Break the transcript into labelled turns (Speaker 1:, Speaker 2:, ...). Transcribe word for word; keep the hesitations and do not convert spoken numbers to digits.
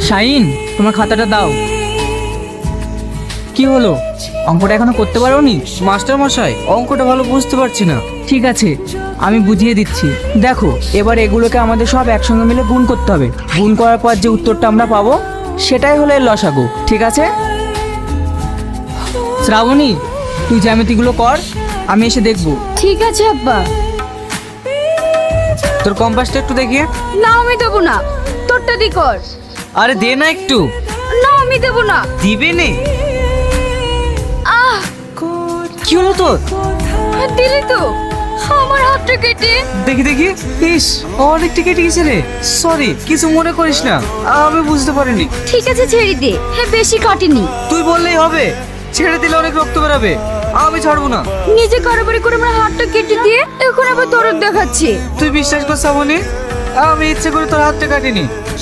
Speaker 1: শাহিন, তোমার খাতাটা দাও। কি হলো, অঙ্কটা এখনো করতে পারোনি?
Speaker 2: মাস্টার মশাই, অঙ্কটা ভালো বুঝতে পারছি না।
Speaker 1: ঠিক আছে, আমি বুঝিয়ে দিচ্ছি। দেখো, এবার এগুলোকে আমাদের সব একসঙ্গে মিলে গুণ করতে হবে। গুণ করার পর যে উত্তরটা আমরা পাবো সেটাই হলো এর লসাগু। ঠিক আছে? শ্রাবণী, তুই জ্যামিতিগুলো কর, আমি এসে দেখবো।
Speaker 3: ঠিক আছে আব্বা।
Speaker 2: তোর কম্পাসটা একটু দেখিয়ে।
Speaker 3: না আমি দেবো না, তোরটা দি কর।
Speaker 2: আরে দে না একটু।
Speaker 3: না আমি দেবো না।
Speaker 2: দিবে নে।
Speaker 3: আহ,
Speaker 2: কি হলো তোর?
Speaker 3: দিলি তো আমার হাতটা কেটে।
Speaker 2: দেখি দেখি। ইস, অনেকটা কেটে গেছে রে। সরি, কিছু মনে করিস না, আমি বুঝতে পারিনি।
Speaker 3: ঠিক আছে ছেড়ে দে, হ্যাঁ বেশি কাটেনি।
Speaker 2: তুই বললেই হবে, ছেড়ে দিলে অনেক রক্ত বেরাবে। আমি ছাড়বো না।
Speaker 3: নিজে কারোবারি করে আমার হাতটা কেটে দিয়ে এখন আবার দরদ দেখাচ্ছে।
Speaker 2: তুই বিশ্বাস কর শ্রাবণী, আমি ইচ্ছে করে তোর হাতটা কাটিনি।